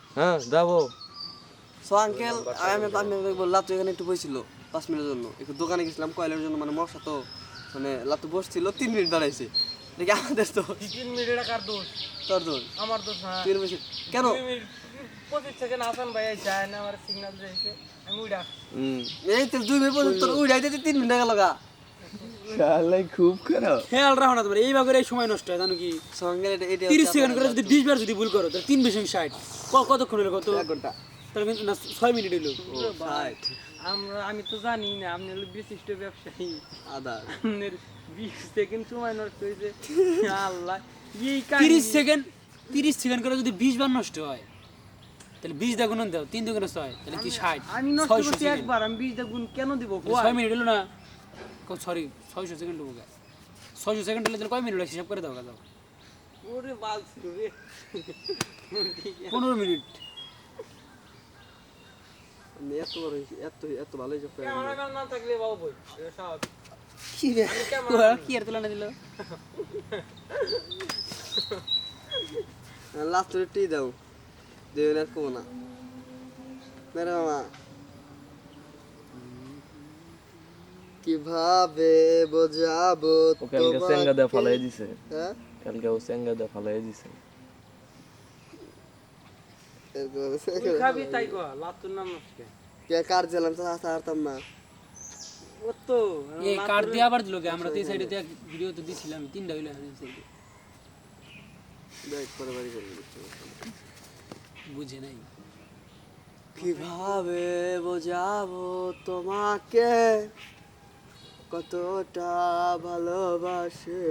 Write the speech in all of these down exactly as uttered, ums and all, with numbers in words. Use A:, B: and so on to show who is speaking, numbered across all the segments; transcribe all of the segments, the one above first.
A: হ্যাঁ যাবো।
B: So uncle আমি আমি বললাম তো এখানে একটু বসছিল পাঁচ মিনিটের জন্য একটু দোকানে গেছিলাম কয়লার জন্য মানে মশা তো মানে লাতু বসছিল তিন মিনিট দাঁড়াইছে দেখি আমাদের তো
C: তিন মিনিট কার দোষ
B: তোর দোষ
C: আমার দোষ না
B: তিন মিনিট কেন
C: পঁচিশ সেকেন্ড আসান ভাই যায় না আমার সিগন্যাল দিয়েছে আমি উড়া
B: হুম এই তো দুই মিনিট পর্যন্ত তোর উড়াইতে তিন মিনিট গেল গা
A: শালাই খুব খারাপ।
D: খেয়াল রাখো না তোমার এইভাবে করে এই সময় নষ্ট হয় জানো কি
B: সঙ্গে এটা এটা
D: তিরিশ সেকেন্ড করে যদি বিশ বার যদি ভুল করো তাহলে তিন বিশ ষাট কতক্ষণ হলো কত
B: এক ঘন্টা
D: তাহলে কিন্তু না ছয় মিনিট হলো
B: ষাট
C: আমরা আমি তো জানি না আপনি হলো বিশিষ্ট ব্যবসায়ী
B: আদা
C: আপনার বিশ সেকেন্ড সময় নষ্ট হয়েছে আল্লাহ এই
D: তিরিশ সেকেন্ড তিরিশ সেকেন্ড করে যদি বিশ বার নষ্ট হয় তাহলে বিশ দা গুণ দাও তিন দুগুণে ছয় তাহলে কি ষাট
C: আমি নষ্ট
D: ছয়শো
C: করছি
D: সেকেন্ড
C: একবার আমি বিশ গুণ কেন দিব
D: ছয় মিনিট হলো না সরি ছয়শো সেকেন্ড হবো ছয়শো সেকেন্ড হলে তাহলে কয় মিনিট হিসাব করে দাও দাও
C: ওরে বাল রে
D: পনেরো মিনিট
B: আমি এত বড় হয়েছি, এত এত ভালো হিসাব করে
C: ক্যামেরাম্যান না থাকলে বাবু বই এটা স্বাভাবিক
D: কি রে ওরা কি আর তুলনা দিল
B: লাস্ট টি দাও দেবেন আর কমো না মেরে মামা কিভাবে বোঝাবো
A: ও কালকে সেঙ্গা দা ফালাই দিছে,
B: হ্যাঁ
A: কালকে ও সেঙ্গা দা ফালাই দিছে।
C: তুই খাবি তাই কো লাতুর নাম নষ্ট
B: কে কার জেলাম তো হাসা হারতাম না
C: ও তো
D: এই কার্ড দিয়ে আবার দিল আমরা তো এই সাইডে তো ভিডিও তো দিছিলাম তিনটা হইলো এই সাইডে
B: দেখ পরে বাড়ি করবি
D: বুঝে নাই
B: কিভাবে বোঝাবো তোমাকে কতটা ভালোবাসে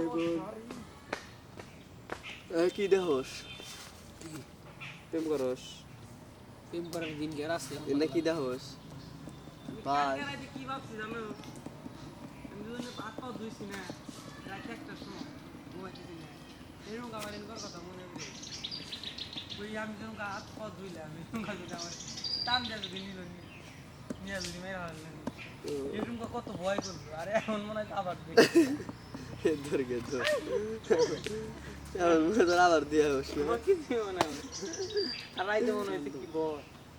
B: কি দেহস প্রেম করস
D: প্রেম করার দিন গের আছে
B: এনে কি দেহস ভাই
C: আমি কি ভাবছি জানো আমি দুজনে পাত পাও ধুইছি না রাত একটা সময় ঘুমাইতেছি না এরকম আমার এনকার কথা মনে পড়ে ওই আমি যখন হাত পাও ধুইলাম এরকম কথা আমার টান দেওয়া যদি নিল নিয়ে যদি মেরে হারলেন এরকম কত ভয় করবো আরে এখন মনে হয় আবার
B: ধর গে ধর আবার দিয়ে হোস
C: কিছু মনে হয় আর রাইতে মনে হয়েছে কি বল